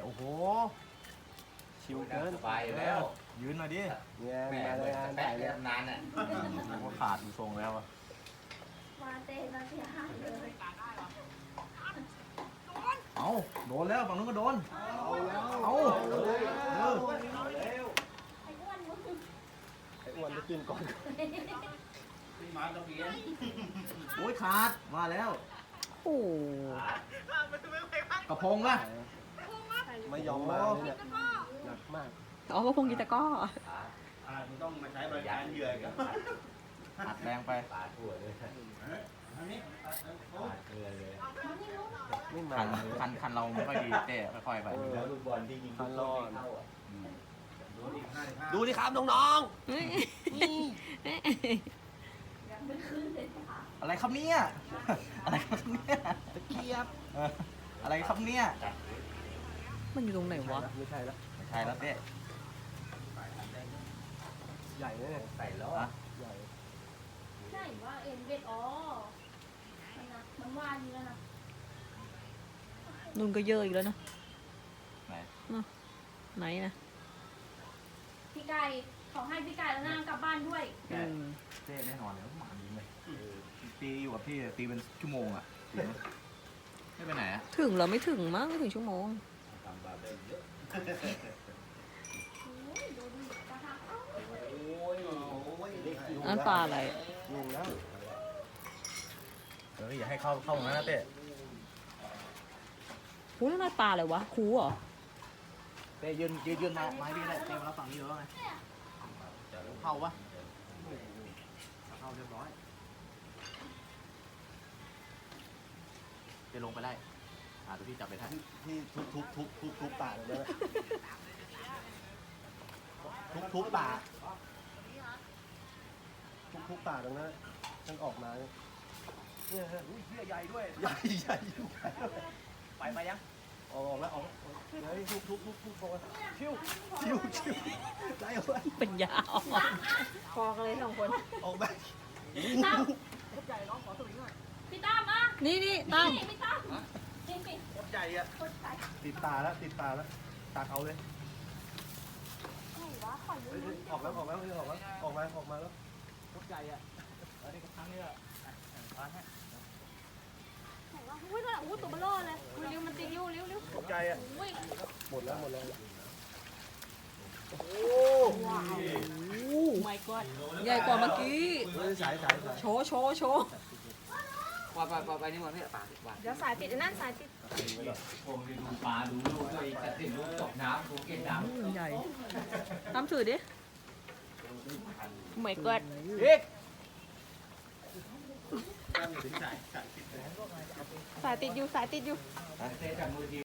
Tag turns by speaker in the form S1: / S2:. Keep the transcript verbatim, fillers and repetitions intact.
S1: อ้โหชิวเกิน
S2: สบายแล้ว
S1: ยืนหน่อยดิ
S3: เนี่ย
S2: แม่
S3: มา
S2: เล
S3: เลย ยงาน
S2: แปะ
S3: ถ่าย
S2: เรี
S3: เนี่ย ย
S2: นานอ่ะ
S1: ก็ขาดดูทรงแล้วอะ
S4: มาเตะเราเสียหายเลย
S1: เอาโดนแล้วฝั่งนู้นก็โดน
S3: เอาแล้ว
S1: เอา
S3: เออ
S1: เออ
S4: ไอ้อ้วนมึง
S3: ไอ้อ้วนจะกินก่อน
S1: โอ้ยขาดมาแล้ว
S5: โอ้
S1: กระพงอะ
S3: ไม่ยอมมาเลยเนี่ยหนักมาก
S5: อ๋อก็พงกีตะก้อ
S2: ต้องมาใช้บริการเหยื่อกับ
S1: อัดแรงไป
S2: ปาทั่วเลยปาเกลือเลย
S3: ไม่มา
S1: คันคันคันเราไม่ค่อยดีเต้ค่อยๆไป
S2: แล้วลูกบอลที่ยิงเข้าอ่ะ
S3: ดูดิครับน้อง
S1: อะไรครับเนี่ยอะไรครับเนี่ย
S3: ๆตะเกียบ
S1: เอออะไรครับเนี่ย
S5: มันอยู่ตรงไหนวะ
S3: ไม่ใช่แล้ว
S1: ไม่ใช่แล้วเต้
S3: ใหญ่เลยเนี่ย
S2: ใส่ล้อ
S1: อะ
S3: ใหญ่
S4: ใช่ว่าเอ็นเบ็ดอ๋อมันนะมันว่านี้แล้วนะ
S5: นุ่นก็เยอะอีกแล้วเนอะ
S1: ไหน
S5: ไหนนะ
S4: พี่ไก่ขอให้พี่ไก่แล้วนางกลับบ้านด้วย
S1: แกเต้แน่นอนเลยหมาดีเลยตีอยู่กับพี่ตีเป็นชั่วโมงอะตีไหมไม่ไปไหนอะ
S5: ถึงเหราไม่ถึงมั้งไม่ถึงชั่วโมง
S2: ทำบาเบนเยอะ
S4: โอ้ยดูดิกระทะเอ้า
S2: โอ้ยโอ้ยเล็กอยู่
S5: อันปลาอะไร
S3: ยุงแล้ว
S1: เอออย่าให้เข้าเข้าตรงนั้นนะเต้
S5: หูนั่นปลาอะไรวะคูเหรอ
S1: เต้ยืนยืนยืนมาไม้พี่ได้เต้มารับฝั่งนี้อยู่แล้วไงเข้าปะเข้าเรียบร้อยเต้ลงไปได้อ่าเดี๋ยวพี่จับไปได้
S3: ที่ทุบทุบทุบทุบทุบปากเลยทุบทุบปากทุบทุบปากตรงนั้นฉันออกมาเนี่ยเนี่ยฮะ
S1: อุ้ยเหี้ยใหญ่ด้วย
S3: ใหญ่ใหญ่อยู่
S1: ไปไปยัง
S3: ออกแล้วออกเฮ้ยทุบทุบทุบทุบออกมาชิวชิวชิวไล่ออกมา
S5: เป็นยาอ่อนพอกันเลยสองคน
S3: ออกมา
S4: ตั้มพี่ตั้มอ่ะ
S5: นี่นี่ตั้ม
S4: นี่พี่ตั้มนี่พี่
S1: โคตรใหญ่อะ
S4: คนใส่
S3: ติดตาแล้วติดตาแล้วตักเอาเลย
S4: ไหนวะขอยื
S3: เฮ้ย
S4: ม
S3: เฮ้ยออกแล้วออกแล้วเฮ้ยออกแล้วออกมาออกมาแล้ว
S1: โคตรใหญ่อะเออนี่ก็ครั้งนี้อะอ่ะอ่ะให้
S4: ไหนวะอุ้ยนั่นอุ้ยตัวเบลอเลยอุ้ยเร็วมันตีเร็วเร็วเร็ว
S3: ตกใจอ่ะ
S4: อุ้ย
S3: หมดแล้วหมดแล้ว
S5: ไม่กอดใหญ่กว่าเมื่อกี้
S3: เฮ้ยสายสายสาย
S5: โชว์โชว์โชว์
S2: ปล่อยปล่อยปล่อยไปนี่มันไม่ปลาปลา
S4: เดี๋ยวสายติดไอ้นั่นสายติด
S2: ผมไปดูปลาดูลูกด้วยกระติกลูกตกน้ำกูเก็บน้
S5: อืมใหญ่ตั้มถือดิไม่กอด
S1: อีก
S5: สายติดอยู่สายติดอยู่
S2: ำเตะจากมือที